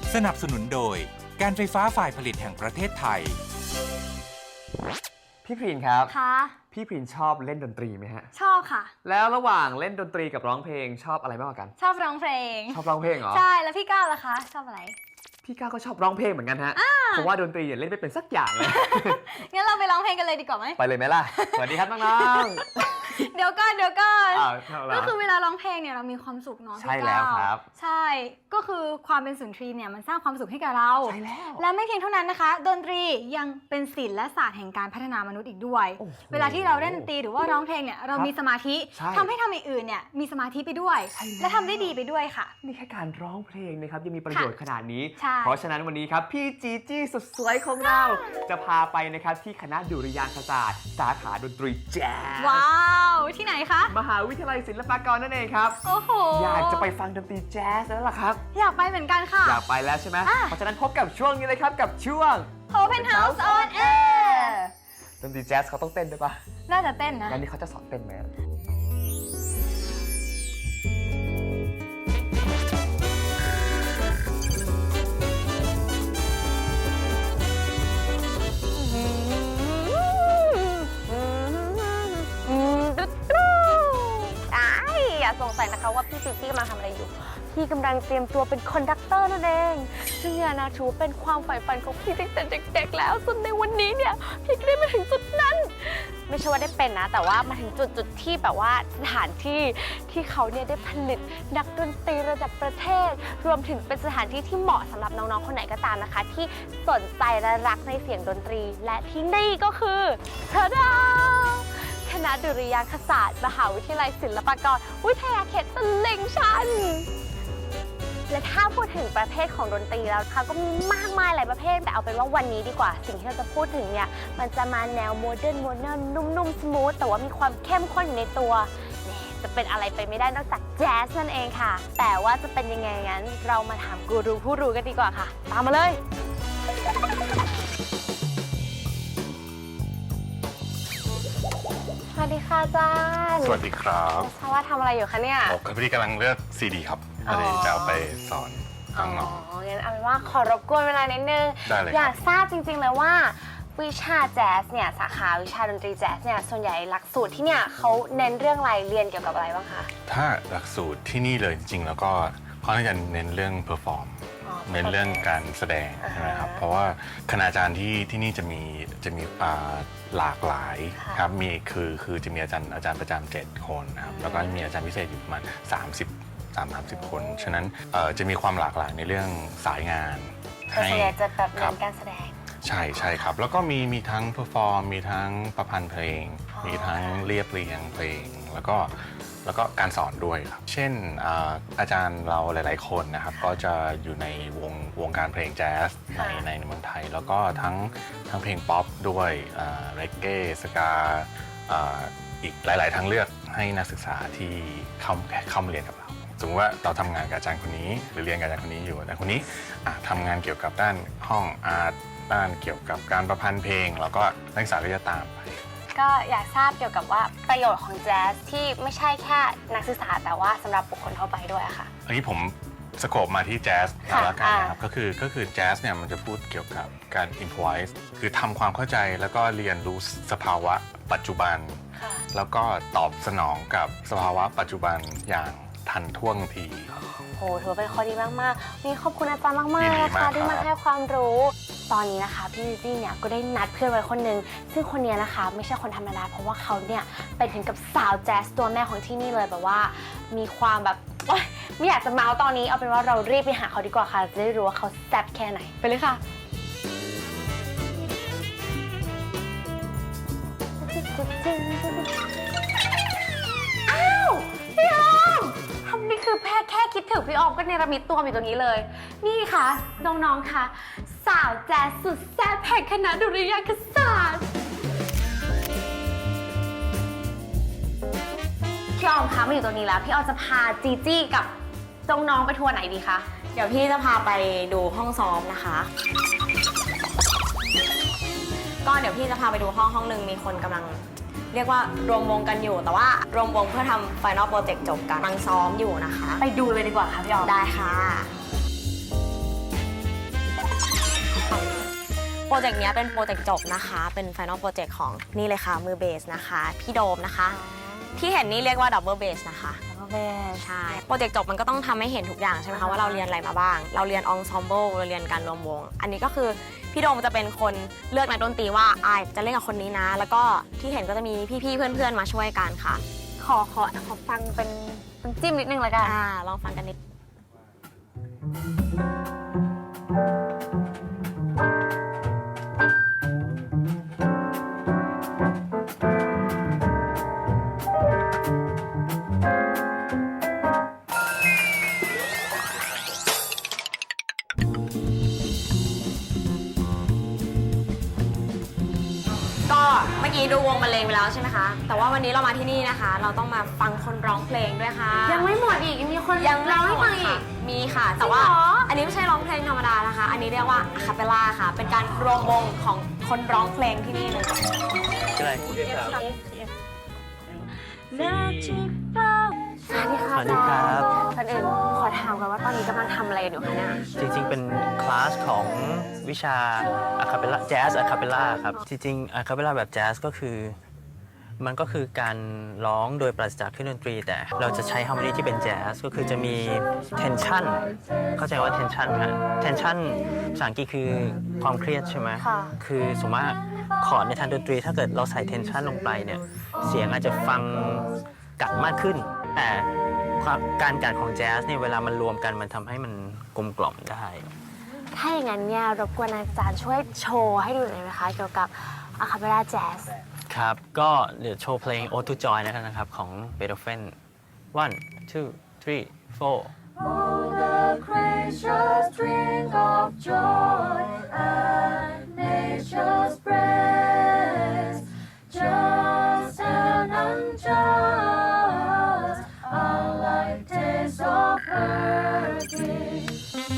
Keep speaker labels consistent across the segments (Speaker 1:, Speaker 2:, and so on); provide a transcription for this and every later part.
Speaker 1: สนับสนุนโดยการไฟฟ้าฝ่ายผลิตแห่งประเทศไทย
Speaker 2: พี่พรินครับ
Speaker 3: ค่ะ
Speaker 2: พี่พรินชอบเล่นดนตรีไหมฮะ
Speaker 3: ชอบค่ะ
Speaker 2: แล้วระหว่างเล่นดนตรีกับร้องเพลงชอบอะไรมากกว่ากัน
Speaker 3: ชอบร้องเพลง
Speaker 2: ชอบร้องเพลงเหรอ
Speaker 3: ใช่ แล้วพี่ก้าวล่ะคะ ชอบอะไร
Speaker 2: พี่ก้าวก็ชอบร้องเพลงเหมือนกันฮะเพราะว่าดนตรีเล่นไม่เป็นสักอย่างเลย
Speaker 3: งั้นเราไปร้องเพลงกันเลยดีกว่าไหม
Speaker 2: ไปเลยไหมล่ะ สวัสดีครับน้อง
Speaker 3: เดี๋ยวก่อน
Speaker 2: ๆอ้าวเท่าไหร่
Speaker 3: ก็คือเวลาร้องเพลงเนี่ยเรามีความสุขเนาะ
Speaker 2: ใช่
Speaker 3: พี่
Speaker 2: แล้ว
Speaker 3: ก้าว
Speaker 2: ครับ
Speaker 3: ใช่ ก็คือความเป็นสุนทรีย์เนี่ยมันสร้างความสุขให้กับเรา
Speaker 2: ใช่แล้ว
Speaker 3: และไม่เพียงเท่านั้นนะคะ ดนตรียังเป็นศิลป์และศาสตร์แห่งการพัฒนามนุษย์อีกด้วย
Speaker 2: โอ้โห
Speaker 3: เวลาที่เราเล่นดนตรีหรือว่าร้องเพลงเนี่ยเรามีสมาธิ
Speaker 2: ใช่
Speaker 3: ทำให้ทำอย่างอื่นเนี่ยมีสมาธิไปด้วย
Speaker 2: ใช่แล้ว
Speaker 3: และทำได้ดีไปด้วยค่ะ
Speaker 2: นี่แค่การร้องเพลงนะครับยังมีประโยชน์ขนาดนี้
Speaker 3: ใช่
Speaker 2: เพราะฉะนั้นวันนี้ครับพี่จีจี้สุดสวยของเรา จะพาไปนะครับที่คณะดุริยางคศาสตร์สาขาดนตรีแจ๊ส
Speaker 3: ว้าว ที่ไหนคะ
Speaker 2: มหาวิทยาลัยศิลปากรนั่นเองครับ
Speaker 3: โอ้โห
Speaker 2: อยากจะไปฟังดนตรีแจ๊สแล้วล่ะครับ
Speaker 3: อยากไปเหมือนกันค่ะ
Speaker 2: อยากไปแล้วใช่ไหม
Speaker 3: อ่ะ
Speaker 2: เพราะฉะนั้นพบกับช่วงนี้เลยครับกับช่วง
Speaker 3: Open House on Air
Speaker 2: ดนตรีแจ๊สเขาต้องเต้นด้วยปะ
Speaker 3: น่าจะเต้นนะ
Speaker 2: แล้วนี่เขาจะสอนเต้นไหม
Speaker 4: อย่าสงสัยนะคะว่าพี่กำลังทำอะไรอยู่ พี่กำลังเตรียมตัวเป็นคอนดักเตอร์นั่นเองซึ่งเนี่ยนะถือว่าเป็นความใฝ่ฝันของพี่ตั้งแต่เด็กๆแล้วจนในวันนี้เนี่ยพี่ก็ได้มาถึงจุดนั้น ไม่ใช่ว่าได้เป็นนะ แต่ว่ามาถึงจุดที่แบบว่าสถานที่ที่เขาเนี่ยได้ผลิตนักดนตรีระดับประเทศ รวมถึงเป็นสถานที่ที่เหมาะสำหรับน้องๆคนไหนก็ตามนะคะ ที่สนใจและรักในเสียงดนตรี และที่นี่ก็คือทะดาคณะดุริยางคศาสตร์มหาวิทยาลัยศิลปากรวิทยาเขตตลิ่งชัน และถ้าพูดถึงประเภทของดนตรีแล้วค่ะก็มีมากมายหลายประเภทแต่เอาเป็นว่าวันนี้ดีกว่า สิ่งที่เราจะพูดถึงเนี่ยมันจะมาแนวโมเดิร์นนุ่มๆสมูทแต่ว่ามีความเข้มข้นอยู่ในตัวจะเป็นอะไรไปไม่ได้นอกจากแจ๊สนั่นเองค่ะแต่ว่าจะเป็นยังไงงั้นเรามาถามกูรูผู้รู้กันดีกว่าค่ะตามมาเลยสวัสดีค่ะอาจารย์
Speaker 5: สวัสดีครับ
Speaker 4: ทราบว่าทำอะไรอยู่คะเนี่ย
Speaker 5: ผมกับพี่กำลังเลือกซีดีครับพอดีจะเอาไปสอนน้อง
Speaker 4: งั้นเอาเป็นว่าขอรบกวนเวลานิดนึง
Speaker 5: ได้เลยครับ
Speaker 4: อยากทราบจริงๆเลยว่าวิชาแจ๊สเนี่ยสาขาวิชาดนตรีแจ๊สเนี่ยส่วนใหญ่หลักสูตรที่เนี่ยเขาเน้นเรื่องอะไรเรียนเกี่ยวกับอะไรบ้างคะ
Speaker 5: ๆถ้าหลักสูตรที่นี่เลยจริงๆ แล้วก็เขาจะเน้นเรื่องเพอร์ฟอร์มเน้นเรื่องการแสดงใช่ไหมครับเพราะว่าคณาจารย์ที่นี่จะมีหลากหลายครับมีคือจะมีอาจารย์ประจำ7 คนนะครับแล้วก็มีอาจารย์พิเศษอยู่ประมาณ30 คน ฉะนั้นจะมีความหลากหลายในเรื่องสายงาน
Speaker 4: แต่ส่วนใหญ่จะแบบเน้
Speaker 5: ครับ
Speaker 4: นการแสดง
Speaker 5: ใช่ครับ แล้วก็มีทั้งเพอร์ฟอร์มมีทั้งประพันธ์เพลง มีทั้งเรียบเรียงเพลง แล้วก็การสอนด้วยครับเช่นอาจารย์เราหลายๆคนนะครับก็จะอยู่ในวงการเพลงแจ๊สในเมืองไทย แล้วก็ทั้งเพลงป๊อปด้วยเรกเก้สกาอีกหลายๆทางเลือกให้นักศึกษาที่เข้ามาเรียนกับเราสมมติว่าเราทำงานกับอาจารย์คนนี้หรือเรียนกับอาจารย์คนนี้อยู่อาจารย์คนนี้ทำงานเกี่ยวกับด้านห้องอาร์ตด้านเกี่ยวกับการประพันธ์เพลงแล้วก็นักศึกษาก็จะตามไป
Speaker 4: ก็อยากทราบเกี่ยวกับว่าประโยชน์ของแจ๊สที่ไม่ใช่แค่นักศึกษาแต่ว่าสำหรับบุคคลทั่วไปด้วยค่ะ
Speaker 5: อันนี้ผมสโคปมาที่แจ๊ส
Speaker 4: ค่ะ
Speaker 5: แล้วกันนะครับก็คือแจ๊สเนี่ยมันจะพูดเกี่ยวกับการ improvise คือทำความเข้าใจแล้วก็เรียนรู้สภาวะปัจจุบัน
Speaker 4: ค่ะ
Speaker 5: แล้วก็ตอบสนองกับสภาวะปัจจุบันอย่างทันท่วงที
Speaker 4: โหถือว่าเป็นข้อดีมากๆนี่ขอบคุณอาจารย์มาก
Speaker 5: ยิน
Speaker 4: ๆ
Speaker 5: ดี
Speaker 4: นะคะ
Speaker 5: มาก
Speaker 4: ที่มา
Speaker 5: ครับ
Speaker 4: ให้ความรู้ ตอนนี้นะคะพี่ลิซี่เนี่ยก็ได้นัดเพื่อนไว้คนหนึ่งซึ่งคนนี้นะคะไม่ใช่คนธรรมดาเพราะว่าเขาเนี่ยเป็นถึงกับสาวแจ๊สตัวแม่ของที่นี่เลยแบบว่ามีความแบบโอ๊ยไม่อยากจะเมาส์ตอนนี้เอาเป็นว่าเรารีบไปหาเขาดีกว่าค่ะจะได้รู้ว่าเขาแซ่บแค่ไหนไปเลยค่ะอ้าวพี่ออมทำนี่คือแค่คิดถึงพี่ออมก็เนรมิตตัวอยู่ตรงนี้เลยนี่ค่ะน้องๆค่ะสาวแจ๊สสุดแซ่บแห่งคณะดุริยางคศาสตร์พี่ออมคะมาอยู่ตรงนี้แล้วพี่ออมจะพาจีจี้กับน้องๆไปทัวร์ไหนดีคะ
Speaker 6: เดี๋ยวพี่จะพาไปดูห้องซ้อมนะคะ ก็เดี๋ยวพี่จะพาไปดูห้องหนึ่งมีคนกำลังเรียกว่ารวมวงกันอยู่ แต่ว่ารวมวงเพื่อทำ Final Project จบกันกำลังซ้อมอยู่นะคะ
Speaker 4: ไปดูเลยดีกว่าค่ะพี่ออม
Speaker 6: ได้ค่ะโปรเจกต์นี้เป็นโปรเจกต์จบนะคะ เป็น Final Project ของนี่เลยค่ะ มือเบสนะคะ พี่โดมนะคะ ที่เห็นนี่เรียกว่า Double Bass นะคะ
Speaker 4: Double Bass
Speaker 6: ใช่ โปรเจกต์จบมันก็ต้องทำให้เห็นทุกอย่างใช่ไหมคะว่าเราเรียนอะไรมาบ้าง เราเรียน Ensemble เราเรียนการรวมวง อันนี้ก็คือพี่โดมจะเป็นคนเลือกนักดนตรีว่าจะเล่นกับคนนี้นะ แล้วก็ที่เห็นก็จะมีพี่ๆเพื่อนๆมาช่วยกันค่ะ
Speaker 4: ขอฟังเป็นจิ้มนิดนึงเลยกัน
Speaker 6: ลองฟังกันนิด ก็เมื่อกี้ดูวงบรรเลงไปแล้วใช่ไหมคะ แต่ว่าวันนี้เรามาที่นี่นะคะ เราต้องมาฟังคนร้องเพลงด้วยค่ะ
Speaker 4: ยังไม่หมดอีกยังมีคน
Speaker 6: ยัง
Speaker 4: ร้องให้ฟังอีก
Speaker 6: มีค่ะ แต่ว่า
Speaker 4: จริงเหรอ
Speaker 6: อันนี้ไม่ใช่ร้องเพลงธรรมดานะคะ อันนี้เรียกว่าอะคาเปลล่าค่ะ เป็นการรวมวงของคนร้องเพลงที่นี่เลย
Speaker 7: ชื่ออะไร
Speaker 4: สวัสดีค่ะ
Speaker 7: สวัสดีครับ
Speaker 4: ท่านอื่นขอถามกันว่าตอนนี้กำลังทำอะไรอยู่คะเนี่ย
Speaker 7: จริงๆ เป็นคลาสของวิชาอะคาเปล่าแจ๊สอะคาเปล่าครับ จริงๆอะคาเปล่าแบบแจ๊สก็คือมันก็คือการร้องโดยปราศจากเครื่องดนตรี แต่เราจะใช้ฮาร์โมนีที่เป็นแจ๊สก็คือจะมี tension เข้าใจว่า tension ไหม tension ภาษาอังกฤษคือความเครียดใช่ไหม
Speaker 4: ค่ะ
Speaker 7: คือสมมติว่าคอร์ดในทางดนตรีถ้าเกิดเราใส่ tension ลงไปเนี่ยเสียงอาจจะฟังกัดมากขึ้น แต่การกัดของแจ๊สเนี่ยเวลามันรวมกันมันทำให้มันกลมกล่อมได้
Speaker 4: ถ้าอย่างนั้นเนี่ยรบกวนอาจารย์ช่วยโชว์ให้ดูหน่อยไหมคะเกี่ยวกับอะคาเปล่าแจ๊ส
Speaker 7: ครับ ก็เดี๋ยวโชว์เพลง Ode to Joy นะครับ ของเบโธเฟน 1 2 3 4
Speaker 8: gracious drink of joy at nature's breast, just and unjust, unlike taste of her gift.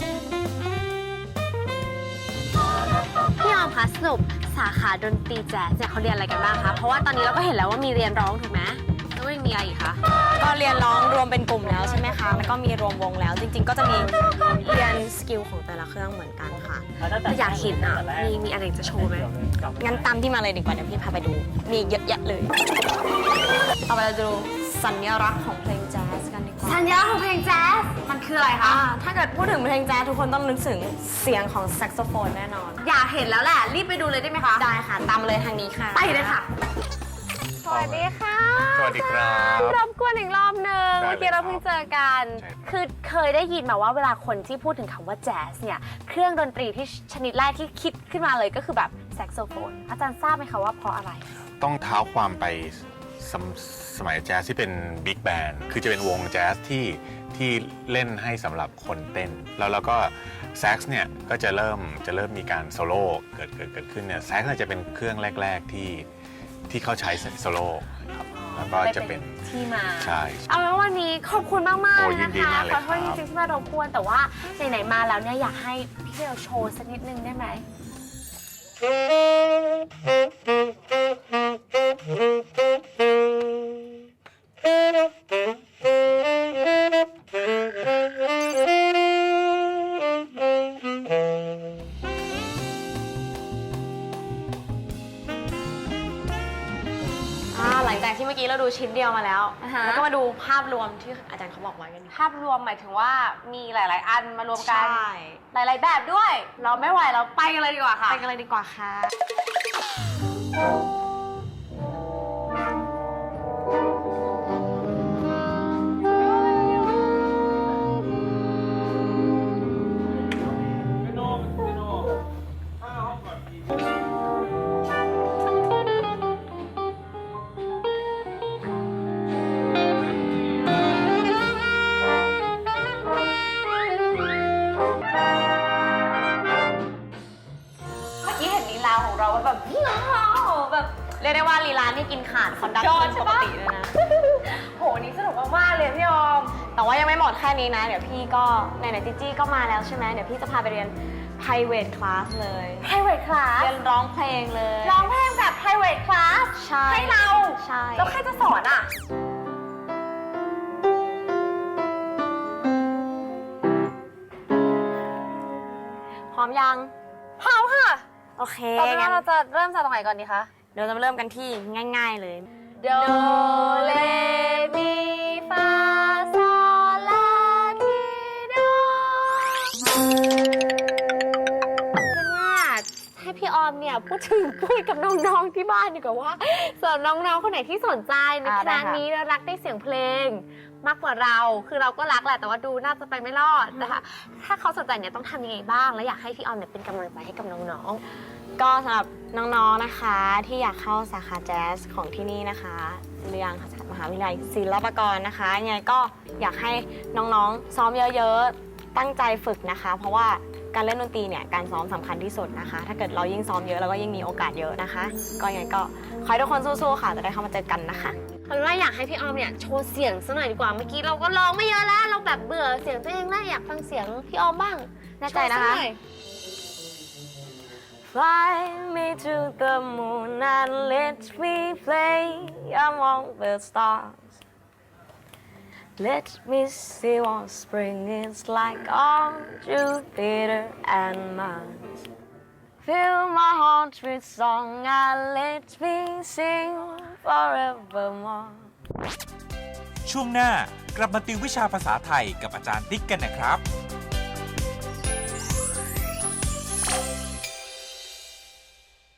Speaker 4: พี่ออมคะสรุปสาขาดนตรีแจ๊สเนี่ยเขาเรียนอะไรกันบ้างคะ เพราะว่าตอนนี้เราก็เห็นแล้วว่ามีเรียนร้องถูกไหมแล้วยังมีอะไรอีกคะ
Speaker 6: ก็เรียนร้องรวมเป็นกลุ่มแล้วใช่ไหมคะ แล้วก็มีรวมวงแล้ว จริง ๆ ก็จะมีเรียนสกิลของแต่ละเครื่องเหมือนกันค่ะ
Speaker 4: แต่อยากเห็นอ่ะ มีอะไรจะโชว์ไหม
Speaker 6: งั้นตามที่มาเลยดีกว่า เดี๋ยวพี่พาไปดู มีเยอะแยะเลย เอาไปเราจะดูสัญลักษณ์ของเพลงแจ๊สกันดีกว่า
Speaker 4: สัญลักษณ์ของเพลงแจ๊สมันคืออะไรคะ
Speaker 6: ถ้าเกิดพูดถึงเพลงแจ๊สทุกคนต้องนึกถึงเสียงของแซกโซโฟนแน่นอน
Speaker 4: อยากเห็นแล้วแหละ รีบไปดูเลยได้ไหมคะ
Speaker 6: ได้ค่ะ ตามมาเลยทางนี้ค่ะ
Speaker 4: ไปเลยค่ะ
Speaker 6: สวัสดีค่ะ
Speaker 5: สวัสดีครับ
Speaker 4: รบกวนอีกรอบนึง
Speaker 5: ได้เลย
Speaker 4: เมื่อกี้เราเพิ่งเจอกัน
Speaker 5: ใช่ครับ
Speaker 4: คือเคยได้ยินมาว่าเวลาคนที่พูดถึงคำว่าแจ๊สเนี่ยเครื่องดนตรีที่ชนิดแรกที่คิดขึ้นมาเลยก็คือแบบแซกโซโฟน อาจารย์ทราบไหมคะว่าเพราะอะไร
Speaker 5: ต้องเท้าความไปสมัยแจ๊สที่เป็นบิ๊กแบนด์คือจะเป็นวงแจ๊สที่เล่นให้สำหรับคนเต้น แล้วก็แซกซ์เนี่ยก็จะเริ่มมีการโซโล่เกิดขึ้นเนี่ยแซกซ์จะเป็นเครื่องแรกๆที่เขาใช้โซโล่ครับแล้วก็จะเป็น
Speaker 4: ที่มา
Speaker 5: ใช่
Speaker 4: เอาเป็นว่าวันนี้ขอบคุณมาก
Speaker 5: โอ้
Speaker 4: ๆ
Speaker 5: ยิ
Speaker 4: นะ
Speaker 5: นดี
Speaker 4: คะ
Speaker 5: มากเลย
Speaker 4: ขอโทษ
Speaker 5: ค
Speaker 4: จ
Speaker 5: รับ
Speaker 4: ริงๆที่มารบกวนแต่ว่าไหนๆมาแล้วเนี่ยอยากให้พี่เบลโชว์สักนิดนึงได้ไหม
Speaker 6: หลังจากที่เมื่อกี้เราดูชิ้นเดียวมาแล้ว
Speaker 4: อ่าฮะ
Speaker 6: แล้วก็มาดูภาพรวมที่อาจารย์เขาบอกไว้กันดีกว่า
Speaker 4: ภาพรวมหมายถึงว่ามีหลาย ๆ อันมารวมกัน
Speaker 6: ใช่
Speaker 4: หลาย ๆ แบบด้วย เราไม่ไหวเราไปกันเลยดีกว่าค่ะ
Speaker 6: ไปกันเลยดีกว่าค่ะ
Speaker 4: เมื่อกี้เห็นลีลาของเราว่าแบบว้าวแบบ
Speaker 6: เรียกได้ว่าลีลานี่กินขาดคอนดัก
Speaker 4: ยอ
Speaker 6: เกิ
Speaker 4: ด
Speaker 6: น
Speaker 4: ใช่
Speaker 6: ปก
Speaker 4: ปะ
Speaker 6: ติเลยนะ
Speaker 4: โหวันนี้สนุกมากๆเลยพี่ออม
Speaker 6: แต่ว่ายังไม่หมดแค่นี้นะ เดี๋ยวพี่ก็ไหนๆจิจี้ก็มาแล้วใช่ไหมเดี๋ยวพี่จะพาไปเรียน private class เลย
Speaker 4: private class
Speaker 6: เรียนร้องเพลงเลย
Speaker 4: ร้องเพลงแบบ private class
Speaker 6: ใช่
Speaker 4: ให้เรา
Speaker 6: ใช่
Speaker 4: แล้วใครจะสอนอ่ะ
Speaker 6: พร้อมยัง
Speaker 4: พร้อมค่ะ
Speaker 6: ไโอเค
Speaker 4: ตอนนี้
Speaker 6: งั้น
Speaker 4: เราจะเริ่มจากตรงไหนก่อนดีคะ
Speaker 6: เดี๋ยวจะเริ่มกันที่ง่าย ๆ เลย
Speaker 4: โดเลมีฟาโซลาทีโดเป็นว่าให้พี่ออมเนี่ยพูดกับน้องๆที่บ้านดีกว่าว่าสำหรับน้องๆคนไหนที่สนใจในคณะนี้แล้วรักในเสียงเพลง มากกว่าเราคือเราก็รักแหละแต่ว่าดูน่าจะไปไม่รอดนะคะถ้าเขาสนใจเนี่ยต้องทำยังไงบ้างและอยากให้พี่ออมเนี่ยเป็นกำลังใจให้กับน้องๆ
Speaker 6: ก็สำหรับน้องๆนะคะที่อยากเข้าสาขาแจ๊สของที่นี่นะคะเรียนมหาวิทยาลัยศิลปากรนะคะยังไงก็อยากให้น้องๆซ้อมเยอะๆตั้งใจฝึกนะคะ เพราะว่าการเล่นดนตรีเนี่ยการซ้อมสำคัญที่สุดนะคะ ถ้าเกิดเรายิ่งซ้อมเยอะเราก็ยิ่งมีโอกาสเยอะนะคะ ก็ยังไงก็ขอให้ทุกคนสู้ๆค่ะจะได้เข้ามาเจอกันนะคะ
Speaker 4: เอาเป็นว่าอยากให้พี่ออมเนี่ยโชว์เสียงซะหน่อยดีกว่าเมื่อกี้เราก็ร้องไม่เยอะแล้วเราแบบเบื่อเสียงตัวเองแล้วอยากฟังเสียงพี่ออมบ้าง
Speaker 6: แน่ใจนะคะ
Speaker 4: โชว์ซหอย
Speaker 6: Fly me to the moon and let me play among the stars. Let me see what spring is like on Jupiter and Mars. Fill my heart with song and let me sing forevermore.
Speaker 1: ช่วงหน้ากลับมาติววิชาภาษาไทยกับอาจารย์ติ๊กกันนะครับ